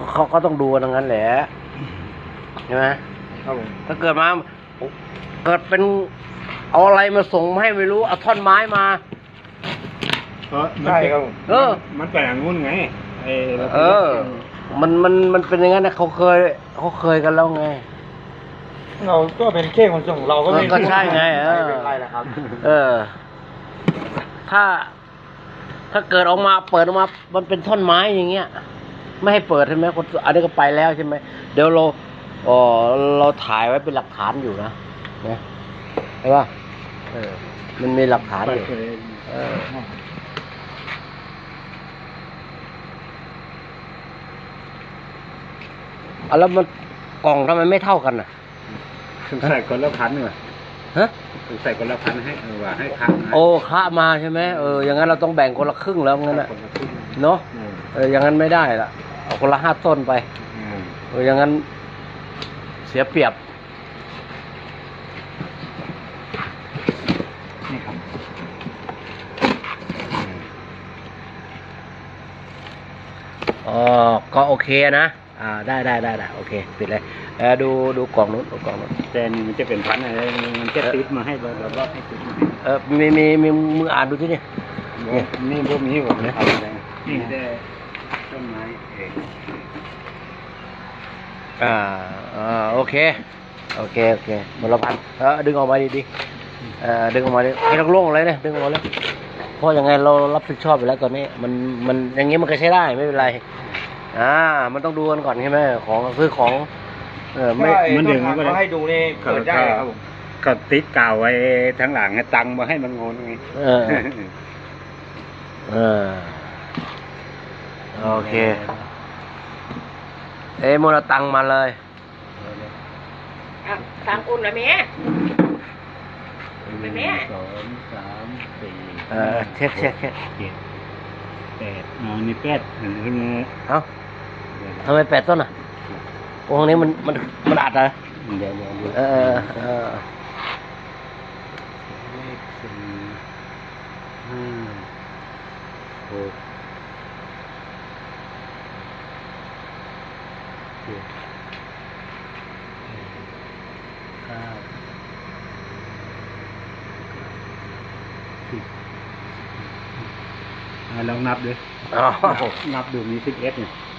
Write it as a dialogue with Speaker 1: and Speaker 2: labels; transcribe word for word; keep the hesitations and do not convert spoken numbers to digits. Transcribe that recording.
Speaker 1: เขาก็ต้องดูกันอย่างนั้นแหละใช่ไหมครับผมถ้าเกิดมาเกิดเป็นเอาอะไรมาส่งให้ไม่รู้เอาท่อนไม้มา
Speaker 2: ใช่ครับ
Speaker 1: เออ
Speaker 2: มันเป็นอย่างงู้นไง
Speaker 1: เออมันมันมันเป็นอย่างนั้นนะเขาเคยเขาเคยกันแล้วไง
Speaker 2: เราก็เป็นแค่คนส่งเราก็ไม่
Speaker 1: ก็ใช่ไงเออ
Speaker 2: เป็นไรนะครับ
Speaker 1: เออถ้าถ้าเกิดออกมาเปิดออกมามันเป็นท่อนไม้อย่างเงี้ยไม่ให้เปิดใช่ไหมคนอันนี้ก็ไปแล้วใช่ไหมเดี๋ยวเราอ๋อเราถ่ายไว้เป็นหลักฐานอยู่นะนะใช่ป่ะเออมันมีหลักฐานอยู่เอออ่ะแล้วมันกล่องทำไมไม่เท่ากันน่ะ
Speaker 2: ใส่คนละพันเหรอ
Speaker 1: ฮะ
Speaker 2: ใส่คนละพันให้เออว่าให้ค้า
Speaker 1: โอ้ค้ามาใช่ไหมเอออย่างนั้นเราต้องแบ่งคนละครึ่งแล้วงั้นน่ะเนาะเอออย่างนั้นไม่ได้ละเอาคนละห้าต้นไปเอออย่างนั้นเสียเปรียบ
Speaker 2: นี่ครับ
Speaker 1: อ๋อก็โอเคนะอ่าได้ได้ได้ได้โอเคปิดเลยเออดูดูกล่องนู้นดูกล่องนู้น
Speaker 2: แต่นี่มันจะเป็นพันอะไรมันจะติดมาให้แบบว่าให้ติดมา
Speaker 1: เออมีมีมีมืออ่านดูที่นี่
Speaker 2: นี่พวกนี้ผมนะนี่ได้ต้นไม้เอง
Speaker 1: อ่าอ่าโอเคโอเคโอเคมลพันธ์เออดึงออกมาดีดีเออดึงออกมาดิให้โล่งๆเลยเนี่ยดึงออกมาเลยเพราะยังไงเรารับผิดชอบไปแล้วตอนนี้มันมันอย่างงี้มันก็ใช้ได้ไม่เป็นไรอ่ามันต้องดูกันก่อนใช่ไหมของซื้อของเออไม่
Speaker 2: มันดึง
Speaker 1: ก็
Speaker 2: ให้ดูนี่เปิดได้ครับผมก็ติดกาวไว้ทั้งหลังให้ตังมาให้มันงงไง
Speaker 1: เออเออโอเคเอ้ยโมนาตังมาเลย
Speaker 3: ตังอุ่นเลยแม่แม่
Speaker 2: สองสามสี่
Speaker 1: เออเช็คเช็คเช็ค
Speaker 2: เจ็ดแปดอ๋อนี่แปดเห็นไหม
Speaker 1: เอ้าทำไมแปดต้นอ่ะตรงนี้มันมันมันอัดเหรอ
Speaker 2: เดี๋ยวเดี๋ยว
Speaker 1: เออเออ
Speaker 2: เลขสี่ห้าหกเจ็ดเก้าสิบลองนับดูนับดูมีสิบเอ็ดเนี่ย